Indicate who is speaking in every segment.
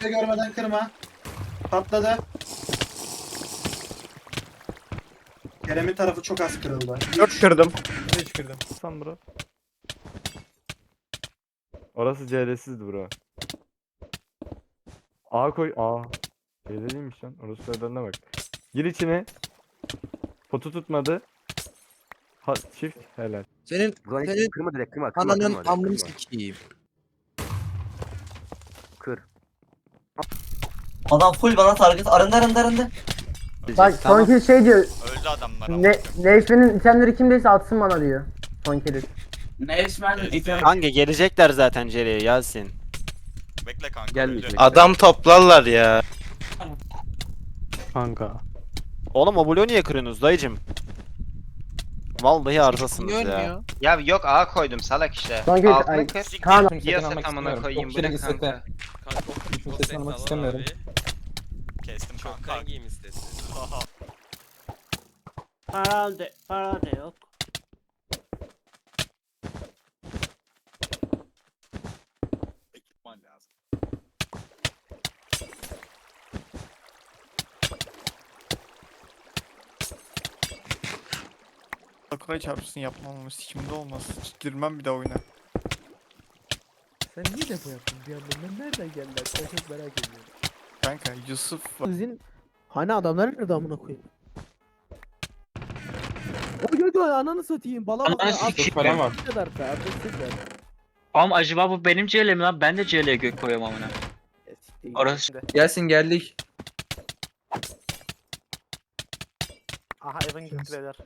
Speaker 1: görmeden kırma. Patladı. Kerem'in tarafı çok az kırıldı.
Speaker 2: 4 kırdım.
Speaker 3: 5 kırdım.
Speaker 2: San bro. Orası CL'sizdi bro. A koy. A. CL değilmiş lan. Orası söylerine bak. Gir içine. Potu tutmadı. Ha, çift helal.
Speaker 4: Senin
Speaker 5: Senin kırma direkt kırma
Speaker 4: ananın
Speaker 5: direkt,
Speaker 4: amını
Speaker 5: kırma.
Speaker 4: sikeyim.
Speaker 5: Kır.
Speaker 6: Adam full bana target. Arındı.
Speaker 7: Bak son kill şey diyor.
Speaker 8: Öldü adamlar ama.
Speaker 7: Neşme'nin itemleri kimdeyse atsın bana diyor. Son kill.
Speaker 9: Kanka gelecekler zaten Jerry'e Yasin.
Speaker 8: Bekle kanka.
Speaker 5: Gelmeyecek.
Speaker 8: öldü.
Speaker 9: Adam toplarlar ya.
Speaker 2: Kanka.
Speaker 9: Oğlum o bloğu niye kırıyorsunuz dayıcım? Vallahi arızasınız
Speaker 4: Niye
Speaker 9: ya.
Speaker 4: ölmüyor?
Speaker 10: Ya yok A koydum salak işte.
Speaker 7: Son kill.
Speaker 10: Altını
Speaker 7: Ay,
Speaker 10: kır.
Speaker 7: Kaan
Speaker 10: Piyasa tamamına koyayım bırak kanka.
Speaker 3: Sesini almak istemiyorum.
Speaker 8: Kestim kanka.
Speaker 3: Hangiyim istesin?
Speaker 6: Para da yok.
Speaker 8: Ekipman lazım.
Speaker 3: Akılay çarpsın yapmamamız sikimde olmaz. Girmem bir daha oyuna.
Speaker 11: Sen niye depo yaptın bir anda? Ben nereden geldiler? Ben çok merak ediyorum.
Speaker 3: Kanka Yusuf var.
Speaker 11: Sizin hani adamlar nerede amına koyayım? O gördü ananı satayım. Bala bala.
Speaker 3: Param var.
Speaker 11: Ne kadar be? Artık ver.
Speaker 9: Oğlum acaba bu benim CL'm lan? Ben de CL'ye gök koyuyorum amına. Orası.
Speaker 4: Gelsin geldik.
Speaker 6: Aha Evan gitti beyler.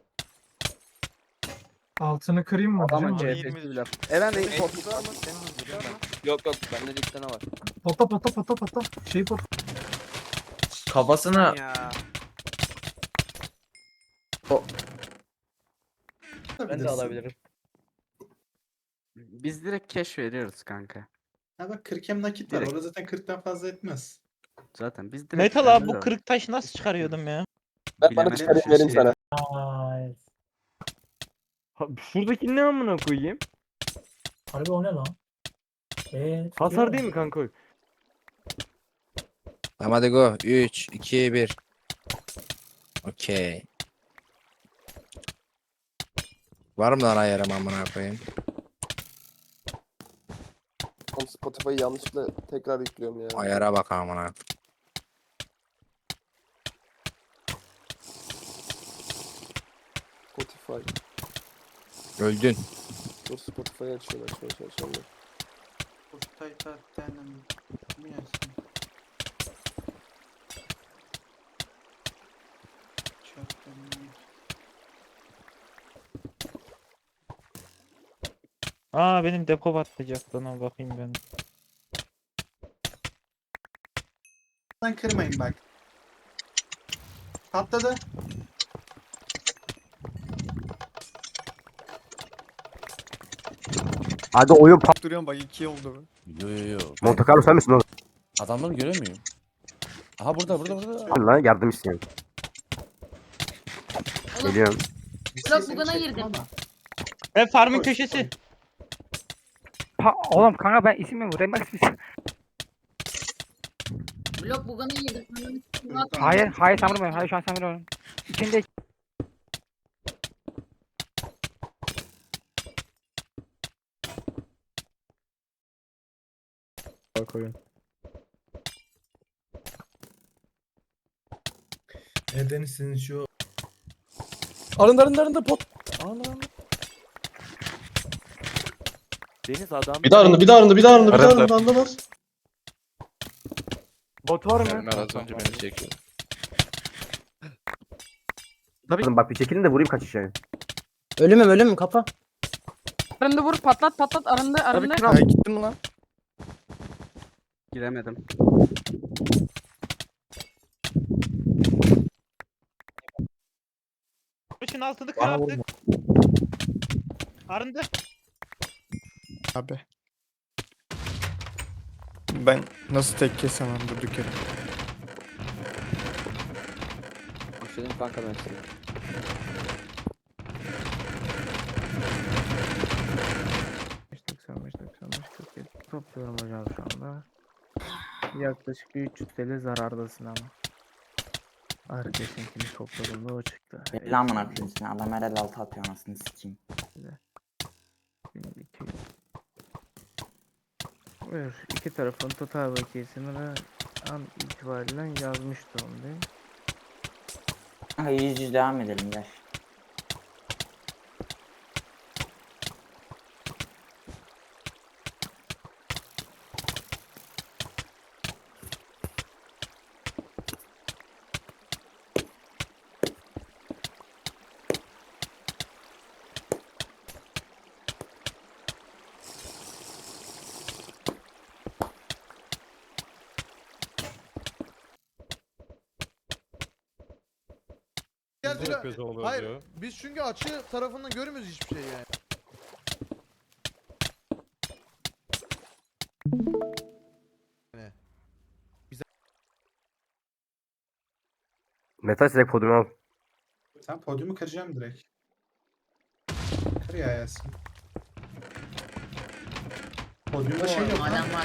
Speaker 11: Altını kırayım mı?
Speaker 5: Adamın
Speaker 11: Hocam?
Speaker 5: CHP'si Eren de potu ama.
Speaker 4: Yok yok bende de bir tane var.
Speaker 11: Pota. Şey pot.
Speaker 4: Kafasına
Speaker 6: Ya.
Speaker 1: Ben de alabilirim.
Speaker 5: Biz direkt cash veriyoruz kanka.
Speaker 1: Ha bak 40 hem nakit var.
Speaker 5: Direkt.
Speaker 1: Orada zaten 40'tan fazla etmez.
Speaker 5: Zaten biz direkt
Speaker 11: Metal abi
Speaker 5: veriyoruz
Speaker 11: bu
Speaker 5: ama
Speaker 11: kırık taş nasıl çıkarıyordum ya?
Speaker 5: bilemem bir şey şey.
Speaker 2: Ha, şuradaki ne amına koyayım?
Speaker 11: Harbi o ne lan?
Speaker 2: Hasar değil mi kanka?
Speaker 4: Tamam hadi go. 3, 2, 1. Okey. Var mı lan ayarım amına koyayım?
Speaker 5: Spotify'ı yanlışlıkla tekrar yüklüyorum ya.
Speaker 4: Ayara bak amına.
Speaker 5: Spotify.
Speaker 4: Öldün.
Speaker 5: Dur Spotify'ı açıyorum.
Speaker 11: Aa benim depo batacak lan ona bakayım ben.
Speaker 1: Lan kırmayın bak. Patladı.
Speaker 5: Hadi oyun
Speaker 3: Duruyorum bak 2 oldu.
Speaker 11: Yo.
Speaker 5: Monte Carlo sen misin oğlum?
Speaker 11: Adamları göremiyorum. Aha burada.
Speaker 5: Hadi lan yardım isteyen. Geliyorum.
Speaker 1: Blok bugana girdim.
Speaker 11: Ben farmın köşesi.
Speaker 7: oğlum kanka ben isim mi vurayım?
Speaker 6: Blok bugana girdim.
Speaker 7: Hayır sen vurmuyorsun. Hayır şu an sen vuruyorsun. İçinde
Speaker 2: Koyun.
Speaker 11: Deniz senin şu
Speaker 5: Arındı pot.
Speaker 2: Deniz adam.
Speaker 5: Bir daha arındı anlamaz.
Speaker 2: Bot var mı?
Speaker 4: Az önce beni çekiyor.
Speaker 5: Tabii. Bak bir çekilin de vurayım kaçış yani.
Speaker 7: ölümüm kapa.
Speaker 6: Arındı vur patlat arındı.
Speaker 3: Ha gittin mi lan?
Speaker 5: Giremedim.
Speaker 11: Kılıçın altını kır artık. Arındı.
Speaker 3: Abi. Ben nasıl tek kesemem durduk yere.
Speaker 5: Başladım kanka ben size.
Speaker 2: Topluyorum hocam şu anda.
Speaker 11: Yaklaşık bir 300 TL zarardasın ama. Arkadaşınkini topladığımda o çıktı.
Speaker 6: Belli amına koyayım seni. Adam her el altı atıyor anasını sikeyim.
Speaker 11: 1200. Buyur. İki tarafın total bakiyesini de an itibariyle yazmış durumdayım.
Speaker 6: Kanka 100 devam edelim gel.
Speaker 2: Hayır.
Speaker 3: Biz çünkü açı tarafından görmüyoruz hiçbir şey yani.
Speaker 7: Metal direkt podyumu al.
Speaker 1: Sen podyumu kıracağım direkt. Kır ya Yasin. Podyumda şey yok lan.
Speaker 6: Adam var.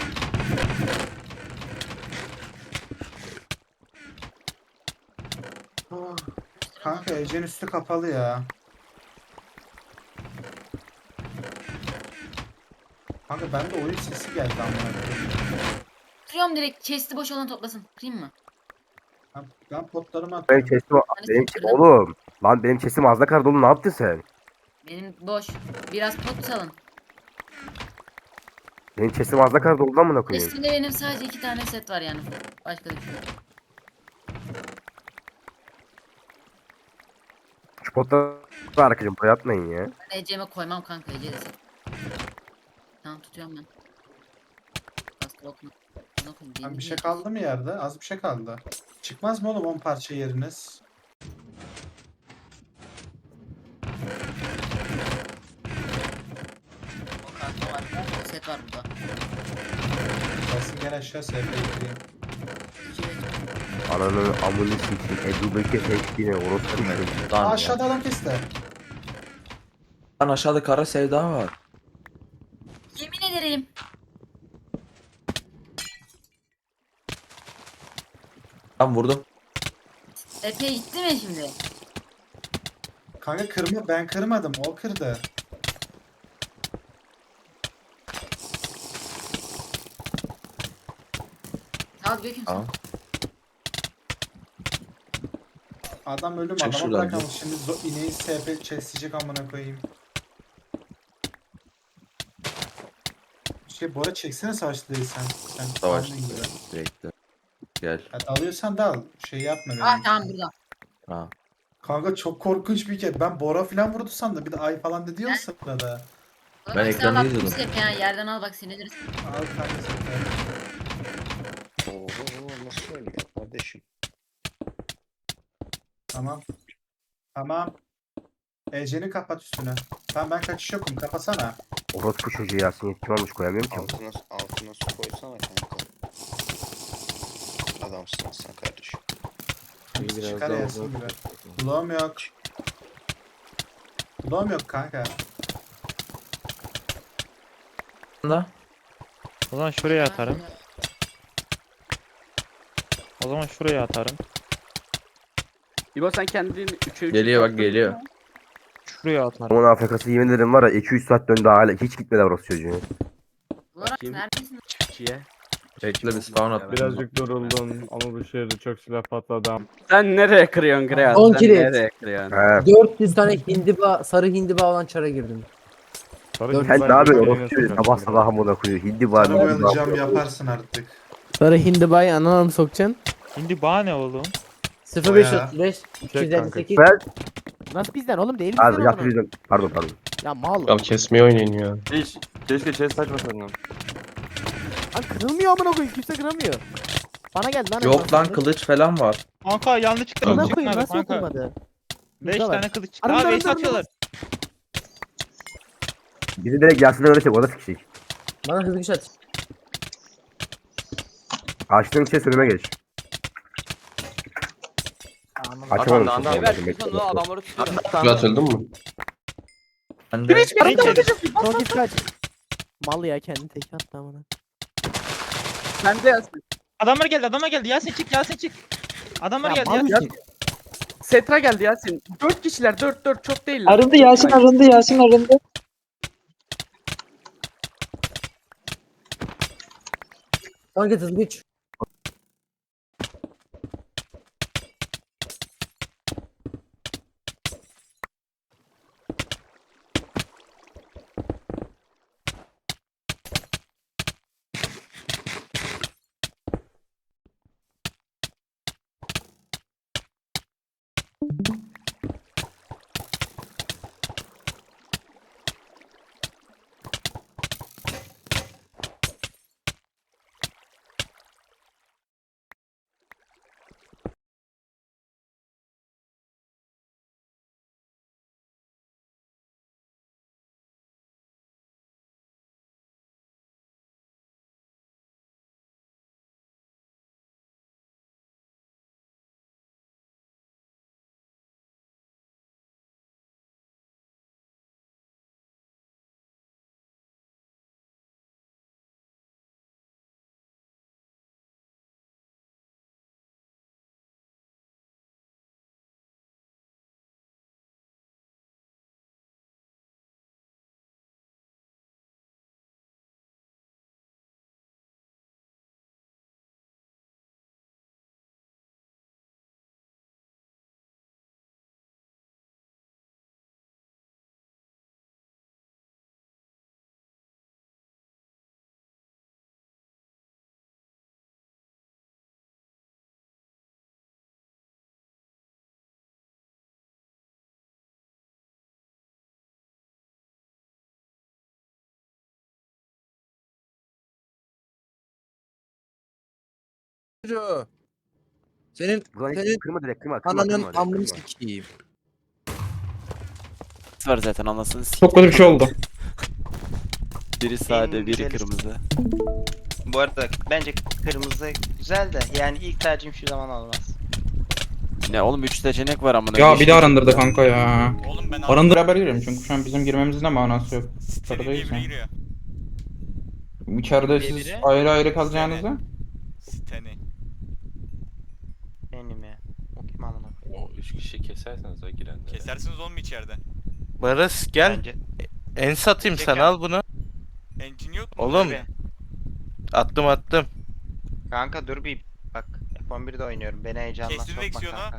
Speaker 1: Ah, kanka Ece'nin üstü kapalı ya. Kanka bende oyun sesi geldi amına koyayım.
Speaker 6: Kırıyorum direkt. Chest'i boş olan toplasın. Kırayım mı?
Speaker 1: Ben potlarımı
Speaker 7: Benim
Speaker 1: atıyorum.
Speaker 7: chest'im benim
Speaker 6: kırdım.
Speaker 7: oğlum. Lan benim chest'im ağzına kadar dolu, ne yaptın sen?
Speaker 6: Benim boş. Biraz pot salın.
Speaker 7: Benim chest'im ağzına kadar dolu lan, amına koyayım.
Speaker 6: Chest'imde benim sadece 2 tane set var yani. Başka da bir şey yok.
Speaker 7: Şu potları arkadaşım buraya atmayın ya.
Speaker 6: Ben Ece'me koymam kanka. Ece de set. Tamam tutuyorum ben. Baskı okuma.
Speaker 1: Lan bir şey kaldı mı yerde? Az bir şey kaldı. Çıkmaz mı oğlum 10 parça yeriniz?
Speaker 6: Set var burada.
Speaker 1: Yasin gel aşağı SP'yi kırayım.
Speaker 7: Ananı amını sikeyim. Ebu Bekir seçtiğine orospu çocuğu.
Speaker 1: Aa, aşağıda adam kesti.
Speaker 11: Lan aşağıda kara sevda var.
Speaker 6: Yemin ederim.
Speaker 11: Ben vurdum.
Speaker 6: Epey gitti mi şimdi?
Speaker 1: Kanka kırma, ben kırmadım, o kırdı.
Speaker 6: Sağ ol Gökhan.
Speaker 11: Tamam.
Speaker 1: Adam ölüm,
Speaker 11: Çık
Speaker 1: adama
Speaker 11: şuradan
Speaker 1: bırakalım şimdi ineği SP çesleyecek amına koyayım. Bora çeksene savaşçı değilsen. Sen
Speaker 11: Savaş.
Speaker 1: kendin gibi.
Speaker 11: Bekle. Gel.
Speaker 1: Ya dalıyorsan dal. Şey yapma benim.
Speaker 6: Ah tamam burada.
Speaker 11: Tamam.
Speaker 1: Kanka çok korkunç bir kez. Ben Bora falan vurdu sandım. Bir de ay falan dedi ya sırada.
Speaker 11: Ben ekranda izliyordum.
Speaker 6: Hep ya yerden al bak sinirleriz.
Speaker 1: Al kanka sen.
Speaker 4: Oo, nasıl oynuyor kardeşim?
Speaker 1: Tamam. Tamam. Ece'ni kapat üstüne. Tamam ben kaçış yokum. Kapasana.
Speaker 7: Orospu çocuğu Yasin, yetkim almış, koyamıyorum ki.
Speaker 4: Altına su koysana kanka. Adamsın sen kardeşim.
Speaker 1: Çıkar Yasin gibi. Bloğum yok. Bloğum yok kanka.
Speaker 3: O zaman şuraya atarım. O zaman şuraya atarım.
Speaker 6: İbo sen kendini 3'e 3
Speaker 11: Geliyor bak, geliyor.
Speaker 3: Şuraya atarım.
Speaker 7: Onun AFK'sı yemin ederim var ya 200 saat döndü hala hiç gitmedi orospu çocuğu.
Speaker 6: Olarak neredesin?
Speaker 11: Çiftçiye. Bekle bir spawn at.
Speaker 2: Birazcık yoruldum ama bu şehirde çok silah patladı.
Speaker 6: Sen nereye kırıyorsun Greal?
Speaker 12: 10
Speaker 6: Sen
Speaker 12: kilit.
Speaker 6: nereye kırıyorsun?
Speaker 7: He.
Speaker 12: 400 tane hindiba, sarı hindiba olan çara girdim.
Speaker 7: Sen ne yapıyorsun orospu çocuğu? Sabah sabah amına koyuyor. Hindi var.
Speaker 1: Sana oyalayacağım yaparsın artık.
Speaker 12: Sarı hindibayı anana mı sokacaksın?
Speaker 3: Şimdi bana ne oğlum?
Speaker 12: 0535 258.
Speaker 7: Ben
Speaker 12: Nasıl bizden oğlum değil
Speaker 7: abi
Speaker 12: bizden oğlum.
Speaker 7: yapıyordum. Pardon.
Speaker 12: Ya mal.
Speaker 4: Ya kesmeye oynayın ya.
Speaker 2: Hiç. Keşke chest açmasaydın.
Speaker 12: Lan kırılmıyor amına koyayım, kimse kıramıyor. Bana geldi lan.
Speaker 11: Yok lan, kılıç falan var.
Speaker 3: Kanka yanlışlıkla
Speaker 12: Amına
Speaker 3: kılıç
Speaker 12: koyayım
Speaker 3: çıkmadı
Speaker 12: nasıl
Speaker 3: kanka.
Speaker 12: oturmadı?
Speaker 3: 5
Speaker 12: Burada var.
Speaker 3: tane kılıç çıktı.
Speaker 12: Arındı,
Speaker 3: Abi
Speaker 12: arındı,
Speaker 3: atıyorlar.
Speaker 7: Bizi direkt Yasin'e öğretecek, o da sikecek.
Speaker 12: Bana hızlı güç at.
Speaker 7: Açtığın için sürüme geç. Açamadım.
Speaker 6: Adamları tutuyor.
Speaker 4: Atıldın mı?
Speaker 11: Ben de
Speaker 12: Son git kaç. Mal ya, kendi tek attı amına.
Speaker 6: Sen de yazsın.
Speaker 9: Adamlar geldi. Yasin çık. Adamlar
Speaker 12: Ya
Speaker 9: geldi
Speaker 12: mal
Speaker 9: Yasin.
Speaker 12: mısın? Setra geldi Yasin. 4 kişiler 4 çok değiller.
Speaker 7: Arındı Yasin arındı.
Speaker 12: Kanka hızlı güç.
Speaker 11: Senin
Speaker 12: Kırma direkt kırma.
Speaker 11: ananın amını sikeyim.
Speaker 7: Var zaten anlasın.
Speaker 11: Çok kötü bir şey oldu.
Speaker 7: Biri
Speaker 10: sade, biri kırmızı. Bu arada bence kırmızı güzel de yani ilk tercihim şu zaman olmaz.
Speaker 7: Ne oğlum 3 seçenek var amına.
Speaker 11: Ya bir de arındırdı kanka ya.
Speaker 8: Oğlum ben
Speaker 11: Arındır haber giriyorum çünkü şu an bizim girmemizin de manası yok.
Speaker 8: Seni diye biri giriyor.
Speaker 11: İçeride
Speaker 10: Diye
Speaker 11: siz
Speaker 10: biri.
Speaker 11: ayrı ayrı kalacağınızda.
Speaker 8: Steni.
Speaker 10: Benim ya. O kim amına koyayım?
Speaker 2: O 3 kişi keserseniz o girenleri.
Speaker 8: Kesersiniz oğlum içeride.
Speaker 2: Barış
Speaker 10: Bence.
Speaker 2: en satayım
Speaker 10: sen, al
Speaker 2: bunu.
Speaker 8: Engine yok mu?
Speaker 2: Oğlum.
Speaker 10: Tabii.
Speaker 2: Attım.
Speaker 10: Kanka dur bir bak. F11'de oynuyorum. Beni heyecanla
Speaker 8: Kestin
Speaker 10: sokma
Speaker 8: direksiyonu.
Speaker 10: kanka.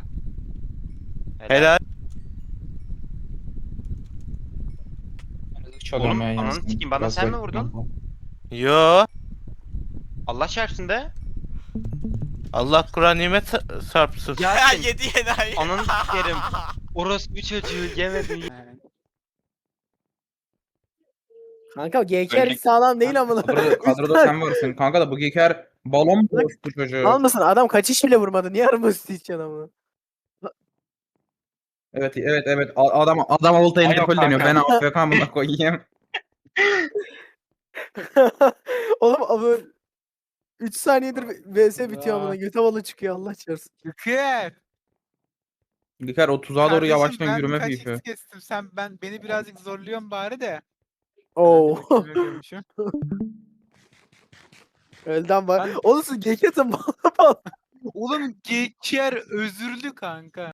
Speaker 11: Çalıyorum
Speaker 10: Oğlum,
Speaker 11: ben
Speaker 10: ananı
Speaker 11: yani.
Speaker 10: sikeyim, bana
Speaker 11: Biraz
Speaker 10: sen mi
Speaker 11: bekliyorum.
Speaker 10: vurdun?
Speaker 2: Yo.
Speaker 10: Allah çarpsın de.
Speaker 2: Allah Kur'an nimet çarpsın.
Speaker 8: Ya
Speaker 10: Yasin.
Speaker 8: yedi enayi.
Speaker 10: Ananı sikerim. Orospu çocuğu yemedi.
Speaker 12: Kanka GKR hiç sağlam değil amına.
Speaker 11: Kadroda sen varsın. Kanka da bu geker balon mu bu çocuğu?
Speaker 12: Almasın adam kaçış bile vurmadı. Niye araması için adamı?
Speaker 11: Evet. Adam olta
Speaker 2: Aynen
Speaker 11: indir deniyor. Ben
Speaker 2: kanka.
Speaker 11: AFK buna koyayım.
Speaker 12: Oğlum abi 3 saniyedir VS bitiyor amına. Göte balı çıkıyor Allah çarpsın.
Speaker 3: Yükür.
Speaker 11: Geker o tuzağa doğru
Speaker 3: Kardeşim,
Speaker 11: yavaştan
Speaker 3: ben
Speaker 11: yürüme
Speaker 3: birkaç
Speaker 11: büyüsü.
Speaker 3: hit kestim. Beni birazcık zorluyorsun bari de.
Speaker 12: Oo.
Speaker 3: Ben de bakıyorum.
Speaker 12: Elden var. Oğlum siz GK'sin bal.
Speaker 3: Oğlum geçer özürlü kanka.